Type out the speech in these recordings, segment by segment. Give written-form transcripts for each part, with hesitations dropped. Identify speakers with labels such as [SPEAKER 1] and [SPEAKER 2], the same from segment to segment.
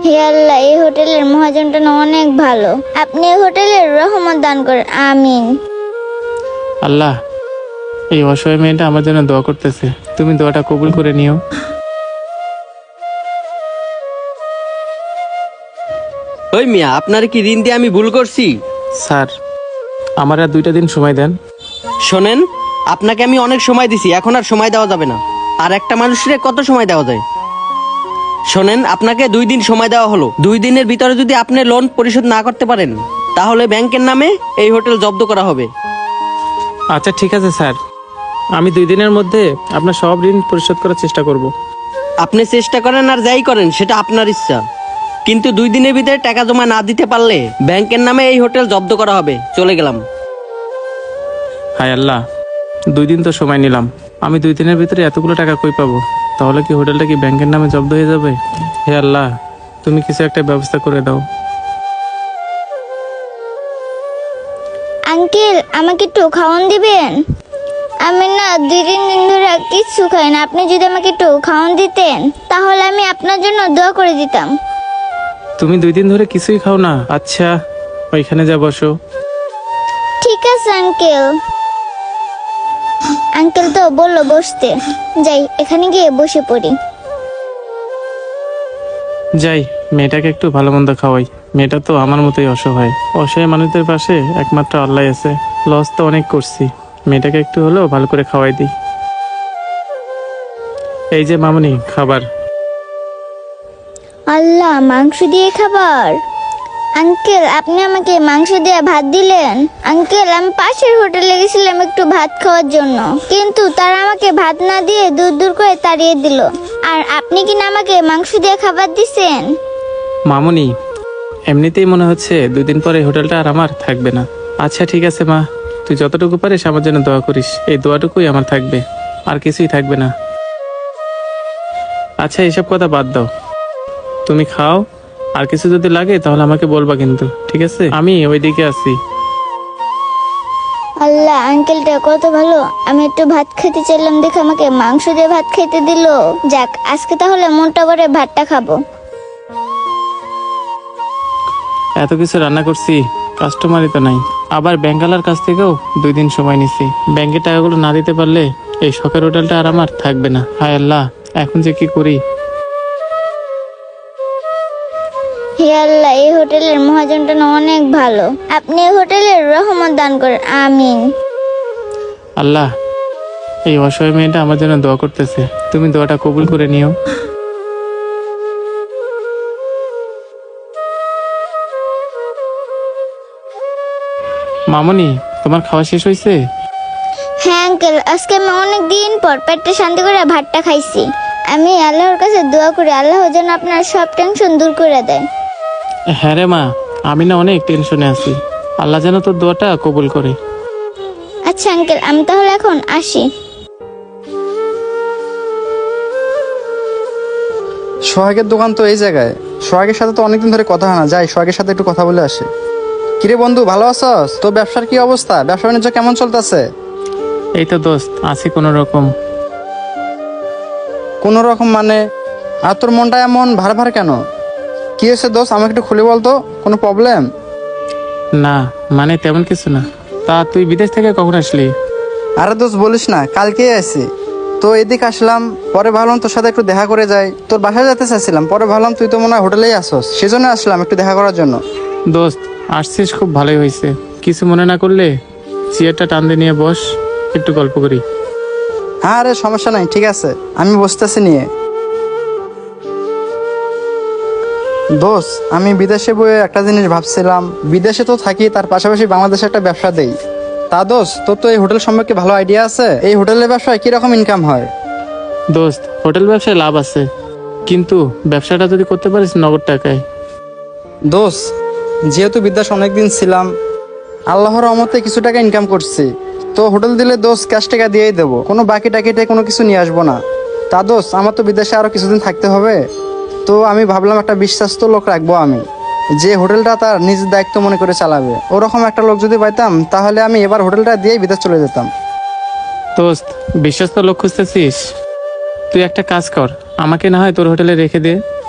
[SPEAKER 1] হে আল্লাহ, এই হোটেলের মহাজনটা না অনেক ভালো। আপনি এই হোটেলের রহমত দান করেন, আমিন।
[SPEAKER 2] আল্লাহ, এই অসহায় মেয়েটা আমার জন্য দোয়া করতেছে, তুমি দোয়াটা কবুল করে নিও।
[SPEAKER 3] ওই মিয়া, আপনার কি ঋণ দিয়ে আমি ভুল করছি?
[SPEAKER 2] স্যার, আমার আর 2টা দিন সময় দেন।
[SPEAKER 3] শোনেন, আপনাকে আমি অনেক সময় দিছি, এখন আর সময় দেওয়া যাবে না। আর একটা মানুষের কত সময় দেওয়া যায়? শোনেন, আপনাকে 2 দিন সময় দেওয়া হলো। 2 দিনের ভিতরে যদি আপনি লোন পরিশোধ না করতে পারেন, তাহলে ব্যাংকের নামে এই হোটেল জব্দ করা হবে।
[SPEAKER 2] আচ্ছা ঠিক আছে স্যার, আমি 2 দিনের মধ্যে আপনার সব ঋণ পরিশোধ করার চেষ্টা করব।
[SPEAKER 3] আপনি চেষ্টা করেন আর যাই করেন, সেটা আপনার ইচ্ছা, কিন্তু 2 দিনের ভিতরে টাকা জমা না দিতে পারলে ব্যাংকের নামে এই হোটেল জব্দ করা হবে। চলে গেলাম।
[SPEAKER 2] হায় আল্লাহ, 2 দিন তো সময় নিলাম, আমি 2 দিনের ভিতরে এতগুলো টাকা কই পাবো? তাহলে কি হোটেলটা কি ব্যাংকের নামে জব্দ হয়ে যাবে? হে আল্লাহ, তুমি কিছু একটা ব্যবস্থা করে দাও।
[SPEAKER 1] আঙ্কেল, আমাকে একটু খাওয়ান দিবেন? আমি না 2-3 দিন ধরে কিচ্ছু খাই না। আপনি যদি আমাকে একটু খাওয়ান দিতেন, তাহলে আমি আপনার জন্য দোয়া করে দিতাম।
[SPEAKER 2] তুমি 2 দিন ধরে কিছুই খাও না? আচ্ছা, ওইখানে যা বসো।
[SPEAKER 1] ঠিক আছে আঙ্কেল। আঙ্কেল তো বললো বসতে, যাই এখানে গিয়ে বসে পড়ি।
[SPEAKER 2] যাই, মেয়েটাকে একটু ভালো মন্দ খাওয়াই। মেয়েটা তো আমার মতোই অসহায়। অসহায় মানুষদের পাশে একমাত্র আল্লাহ আছে। লস তো অনেক করছি, মেয়েটাকে একটু হলেও ভালো করে খাওয়াই দিই। এই যে মামুনি, খাবার।
[SPEAKER 1] আল্লাহ, মাংস দিয়ে খাবার? আঙ্কেল, আপনি আমাকে মাংস দিয়ে ভাত দিলেন? আঙ্কেল, আমি পাশের হোটেলে গেছিলাম একটু ভাত খাওয়ার জন্য, কিন্তু তারা আমাকে ভাত না দিয়ে দূর দূর করে তাড়িয়ে দিল। আর আপনি কিনা আমাকে মাংস দিয়ে খাবার দিছেন?
[SPEAKER 2] মামুনি, এমনিতেই মনে হচ্ছে 2 দিন পরে হোটেলটা আর আমার থাকবে না। আচ্ছা ঠিক আছে মা, তুই যতটুকু পারিস আমার জন্য দোয়া করিস। এই দোয়াটুকুই আমার থাকবে, আর কিছুই থাকবে না। আচ্ছা, এইসব কথা বাদ দাও, তুমি খাও। আর কিছু যদি লাগে তাহলে আমাকে বলবা কিন্তু, ঠিক আছে? আমি ওইদিকে আছি।
[SPEAKER 1] আল্লাহ, আঙ্কেলটা কত ভালো। আমি একটু ভাত খেতে চাইলাম দেখে আমাকে মাংস দিয়ে ভাত খেতে দিল। যাক, আজকে তাহলে মনটা ভরে ভাতটা খাবো।
[SPEAKER 2] এত কিছু রান্না করছি, কাস্টমারই তো নাই। আবার ব্যাংকালার কাছ থেকেও 2 দিন সময় নিছি। ব্যাংকের টাকাগুলো না দিতে পারলে এই শখের হোটেলটা আর আমার থাকবে না। হায় আল্লাহ, এখন যে কি করি।
[SPEAKER 1] হে আল্লাহ, এই হোটেলের মহাজনটা না অনেক ভালো। আপনি এই হোটেলের রহমত দান করেন, আমিন।
[SPEAKER 2] আল্লাহ, এই অসহায় মেয়েটা আমার জন্য দোয়া করতেছে, তুমি দোয়াটা কবুল করে নিও। মামুনি, তোমার খাওয়া শেষ হয়েছে?
[SPEAKER 1] হ্যাঁ আঙ্কেল, আজকে আমি অনেক দিন পর পেটটা শান্তি করে ভাতটা খাইছি। আমি আল্লাহর কাছে দোয়া করি আল্লাহ যেন আপনার সব টেনশন দূর করে দেয়।
[SPEAKER 2] হ্যাঁ রে মা, আমি না অনেক টেনশনে আছি। আল্লাহ যেন তোর দোয়াটা কবুল করে।
[SPEAKER 1] আচ্ছা আঙ্কেল, আমি তাহলে এখন আসি।
[SPEAKER 4] সোহাগের দোকান তো এই জায়গায়। সোহাগের সাথে তো অনেকদিন ধরে কথা হয় না, যাই সোহাগের সাথে একটু কথা বলে আসি। কিরে বন্ধু, ভালো আছস? তোর ব্যবসার কি অবস্থা? ব্যবসা বাণিজ্য কেমন চলতেছে?
[SPEAKER 2] এই তো দোস্ত, আছি কোনো রকম।
[SPEAKER 4] কোনো রকম মানে? আর তোর মনটা এমন ভার ভার কেন? কি হয়েছে দোস্ত, আমাকে একটু খুলে বলতো। কোনো প্রবলেম?
[SPEAKER 2] না, মানে তেমন কিছু না। তা তুই বিদেশ থেকে কখন আসলি?
[SPEAKER 4] আরে দোস্ত বলিস না, কালকেই আসি। তো এদিকে আসলাম, পরে ভাবলাম তোর সাথে একটু দেখা করে যাই। তোর বাসায় যেতে চাইছিলাম, পরে ভাবলাম তুই তো মনে হয় হোটেলেই আসস, সেজন্য আসলাম একটু দেখা করার জন্য।
[SPEAKER 2] দোস্ত, আসছিস, খুব ভালোই হয়েছে। কিছু মনে না করলে চেয়ারটা টান দিয়ে নিয়ে বস, একটু গল্প করি।
[SPEAKER 4] হ্যাঁ আরে সমস্যা নাই, ঠিক আছে, আমি বসতেছি নিয়ে। দোস্ত, আমি বিদেশে বয়ে একটা জিনিস ভাবছিলাম, বিদেশে তো থাকি, তার পাশাপাশি বাংলাদেশে একটা ব্যবসা দেই। তা দোস্ত, তোর তো এই হোটেল সম্পর্কে ভালো আইডিয়া আছে। এই হোটেলের ব্যবসায় কিরকম ইনকাম হয়?
[SPEAKER 2] দোস্ত, হোটেল ব্যবসায় লাভ আছে, কিন্তু ব্যবসাটা যদি করতে পারিস নগদ টাকায়।
[SPEAKER 4] দোস্ত, যেহেতু বিদেশে অনেকদিন ছিলাম, আল্লাহর রহমতে কিছু টাকা ইনকাম করছি, তো হোটেল দিলে দোস্ত ক্যাশ টাকা দিয়েই দেবো, কোনো বাকি টাকিতে কোনো কিছু নিয়ে আসবো না। তা দোস্ত, আমার তো বিদেশে আরো কিছুদিন থাকতে হবে, তো আমি ভাবলাম একটা বিশ্বস্ত লোক রাখবো আমি, যে হোটেলটা তার নিজের দায়িত্ব মনে করে চালাবে। ওরকম একটা লোক যদি পাইতাম, তাহলে আমি এবার হোটেলটা দিয়েই বিদেশ চলে যেতাম।
[SPEAKER 2] দোস্ত, বিশ্বস্ত লোক খুঁজতেছিস? তুই একটা কাজ কর, আমাকে না হয় তোর হোটেলে রেখে দে।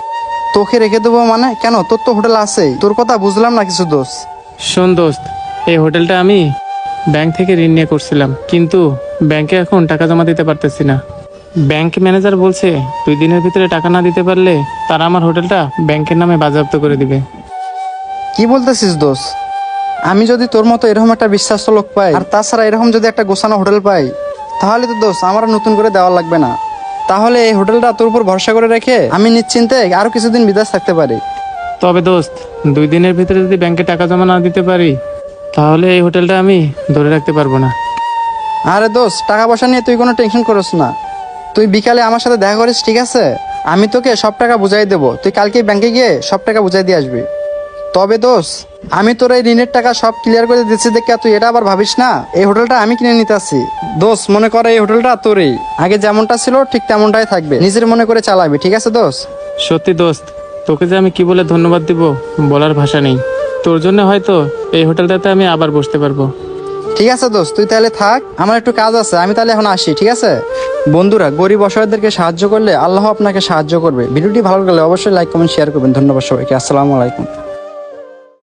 [SPEAKER 4] তোকে রেখে দেবো মানে কেন? তোর তো হোটেল আছেই। তোর কথা বুঝলাম না কিছু দোষ।
[SPEAKER 2] শোন দোস্ত, এই হোটেলটা আমি ব্যাংক থেকে ঋণ নিয়ে করছিলাম, কিন্তু ব্যাংকে এখন টাকা জমা দিতে পারতেছি না। ব্যাংক ম্যানেজার বলছে 2 দিনের ভিতরে টাকা না দিতে পারলে তারা আমার হোটেলটা ব্যাংকের নামে বাজেয়াপ্ত করে দিবে।
[SPEAKER 4] কি বলতেছিস দোষ? আমি যদি তোর মতো এরকম একটা বিশ্বাস্ত লোক পাই, আর তাছাড়া এরকম যদি একটা গোছানো হোটেল পাই, তাহলে তো দোষ আমার আর নতুন করে দেওয়া লাগবে না। তাহলে এই হোটেলটা তোর উপর ভরসা করে রেখে আমি নিশ্চিন্তে আরো কিছুদিন বিদেশ থাকতে পারি।
[SPEAKER 2] তবে দোস্ত, 2 দিনের ভিতরে যদি ব্যাংকে টাকা জমা না দিতে পারি, তাহলে এই হোটেলটা আমি ধরে রাখতে পারবো না।
[SPEAKER 4] আরে দোষ, টাকা পয়সা নিয়ে তুই কোনো টেনশন করিস না। তুই বিকালে আমার সাথে দেখা করিস, ঠিক আছে? আমি তোকে সব টাকা বুঝাই দেবো। তুই কালকে ব্যাংকে গিয়ে সব টাকা বুঝাই দিয়ে আসবি। তবে দোষ, আমি তোর এই ঋণের টাকা সব ক্লিয়ার করে দিচ্ছি দেখে তুই এটা আবার ভাবিস না এই হোটেলটা আমি কিনে নিতে আসি। দোষ, মনে করে এই হোটেলটা তোরই, আগে যেমনটা ছিল ঠিক তেমনটাই থাকবে, নিজের মনে করে চালাবি, ঠিক আছে দোষ?
[SPEAKER 2] সত্যি দোস্ত, তোকে যে আমি কি বলে ধন্যবাদ দিব বলার ভাষা নেই। তোর জন্য হয়তো এই হোটেলটাতে আমি আবার বসতে পারবো।
[SPEAKER 4] ঠিক আছে দোস্ত, তুই তাহলে থাক, আমার একটু কাজ আছে, আমি তাহলে এখন আসি, ঠিক আছে? বন্ধুরা, গরিব অসহায়দেরকে সাহায্য করলে আল্লাহ আপনাকে সাহায্য করবে। ভিডিওটি ভালো লাগলে অবশ্যই লাইক কমেন্ট শেয়ার করবেন। ধন্যবাদ সবাইকে। আসসালামু আলাইকুম।